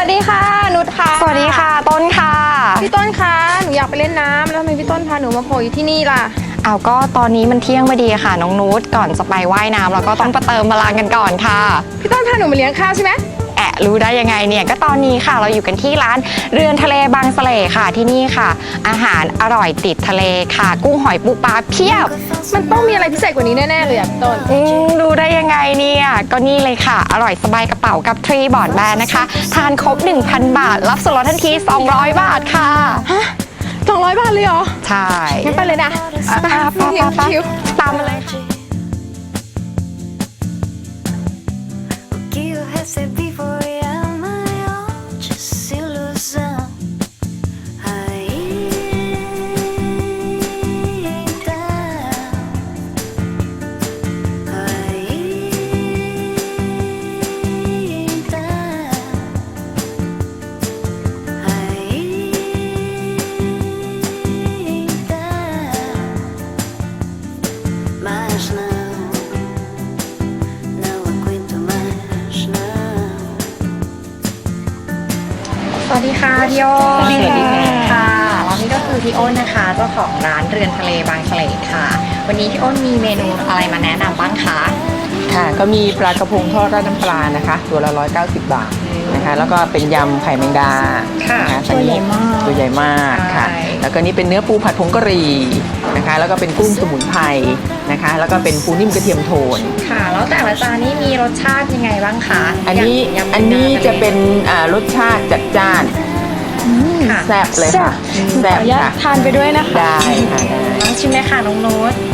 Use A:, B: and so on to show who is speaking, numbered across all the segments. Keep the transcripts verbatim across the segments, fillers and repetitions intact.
A: วัสดีค่ะนุชค่ะ
B: สวัสดีค่ะต้นค่ะ
A: พี่ต้นคะหนูอยากไปเล่นน้ำแล้วทำไมพี่ต้นพาหนูมาโผล่อยู่ที่นี่ล่ะ
B: เอาก็ตอนนี้มันเที่ยงพอดีค่ะน้องนุชก่อนจะไปว่ายน้ำเราก็ต้องไปเติมพลังกันก่อนค่ะ
A: พี่ต้นพาหนูมาเลี้ยงข้าวใช่ไหม
B: แอะรู้ได้ยังไงเนี่ยก็ตอนนี้ค่ะเราอยู่กันที่ร้านเรือนทะเลบางสะเลค่ะที่นี่ค่ะอาหารอร่อยติดทะเลค่ะกุ้งหอยปูปลาเพียบ
A: มันต้องมีอะไรพิเศษกว่านี้แน่ๆเลยอ่ะพี่ต้น
B: อืมรู้ได้ยังไงเนี่ยก็นี่เลยค่ะอร่อยสบายกระเป๋ากับทรีบอร์ดแบนนะคะทานครบ หนึ่งพัน บาทรับส่วนลดทันทีสองร้อยบาทค่ะ
A: ฮะสองร้อยบาทเลยเหรอ
B: ใช่
A: งั้นไปเลยนะ
B: ไปไปไปตามมาเลยค่ะสวัสดีค่ะพี่โอ้น
A: สวัสดีค่ะ
B: แล้วนี่ก็คือพี่โอ้นนะคะเจ้าของร้านเรือนทะเลบางสะเลค่ะวันนี้พี่โอ้นมีเมนูอะไรมาแนะนำบ้างคะ
C: ค่ะก็มีปลากระพงทอดราดน้ำปลานะคะตัวละร้อยเก้าสิบบาทนะคะแล้วก็เป็นยำไข่แมงดา
B: ค่ะ
C: ตัวใหญ่มากตัวใหญ่มากค่ะแล้วก็นี่เป็นเนื้อปูผัดผงกะหรี่นะคะแล้วก็เป็นกุ้งสมุนไพรนะคะแล้วก็เป็นปูนิ่มกระเทียมโทน
B: ค่ะแล้วแต่ละจานนี้มีรสชาติยังไงบ้างคะ
C: อันนี้อันนี้จะเป็นรสชาติจัดจ้านแซ่บเลยค่ะ
A: แซ่บค่ะทานไปด้วยนะคะ
C: ได้ค่ะ
B: ลองชิมเลยค่ะน้องโน้ต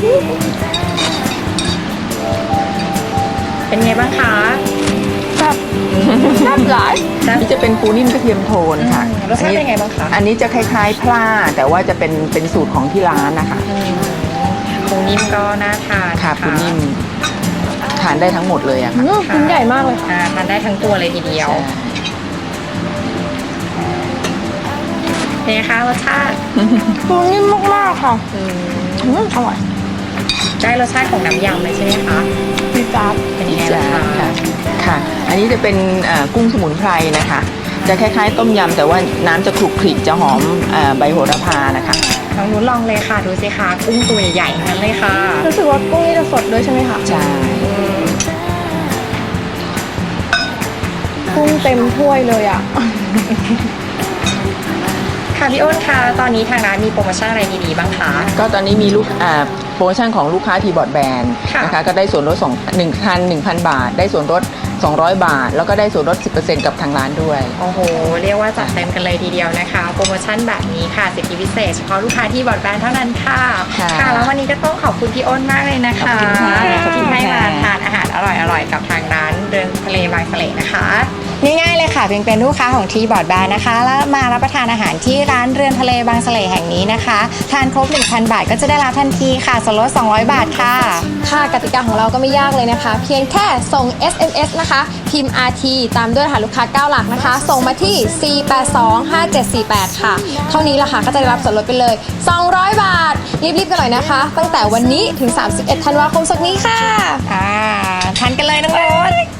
B: เป็นไงบ้างคะ
A: แซ่บแซ่บหลาย
C: นี่จะเป็นปูนิ่มกระเทียมโทนค่ะ
B: รสชาติเป็นไงบ้างคะ
C: อันนี้จะคล้ายๆพลาแต่ว่าจะเป็นเป็นสูตรของที่ร้านนะคะ
B: ปูนิ่มก็น่าทาน
C: ค่ะปูนิ่มทานได้ทั้งหมดเลยอะค่ะ
A: ชิ้นใหญ่มากเลย
B: ค่ะทานได้ทั้งตัวเลยทีเดียวเป็นไงคะรสชาติ
A: ปูนิ่มมากๆค่ะ
B: อื
A: มอร่อย
B: ได้รสชาติของน้ำยำเลยใช่ไหมคะ
A: ดีจ้า
B: เป็นยังไงบ้างคะ
C: ค่ะอันนี้จะเป็นกุ้งสมุนไพรนะคะจะคล้ายๆต้มยำแต่ว่าน้ำจะคลุกคลิกจะหอมใบโหระพานะคะ
B: ลองนู้นลองเลยค่ะดูสิคะกุ้งตัวใหญ่ๆนั้นเลยค่ะ
A: รู้สึกว่ากุ้งนี่จะสดด้วยใช่ไหมคะ
C: ใช่
A: กุ้งเต็มถ้วยเลยอ่ะ
B: ค่ะพี่อ้นคะตอนนี้ทางร้านมีโปรโมชั่นอะไรดีๆบ้างคะ
C: ก็ตอนนี้มีลูกโปรโมชั่นของลูกค้าทีบอร์ดแบนนะคะก็ได้ส่วนลดหนึ่งพันหนึ่งพันบาทได้ส่วนลดสองร้อยบาทแล้วก็ได้ส่วนลด สิบเปอร์เซ็นต์ กับทางร้านด้วย
B: โอ้โหเรียกว่าจัดเต็มกันเลยทีเดียวนะคะโปรโมชั่นแบบนี้ค่ะสิทธิพิเศษเฉพาะลูกค้าที่บอร์ดแบนเท่านั้นค่ะค่ะแล้ววันนี้ก็ต้องขอบคุณพี่อ้นมากเลยนะคะที่ให้มาทานอาหารอร่อยๆกับทางร้านเรือนทะเลบางสะเลนะคะง่ายๆเลยค่ะเพียงเป็นลูกค้าของทีบอร์ดแบนนะคะแล้วมารับประทานอาหารที่ร้านเรือนทะเลบางสะเลแห่งนี้นะคะทานครบ หนึ่งพัน บาทก็จะได้รับทันทีค่ะส่วนลดสองร้อยบาทค่ะ
A: ค่ะกติกาของเราก็ไม่ยากเลยนะคะเพียงแค่ส่ง เอส เอ็ม เอส นะคะพิมพ์ อาร์ ที ตามด้วยรหัสลูกค้าเก้าหลักนะคะส่งมาที่สี่ แปด สอง ห้า เจ็ด สี่ แปดค่ะเท่านี้ละค่ะก็จะได้รับส่วนลดไปเลยสองร้อยบาทรีบๆกันหน่อยนะคะตั้งแต่วันนี้ถึงสามสิบเอ็ดธันวาคมศกนี้ค่ะ
B: อ่าทานกันเลยน้องโอ๊ต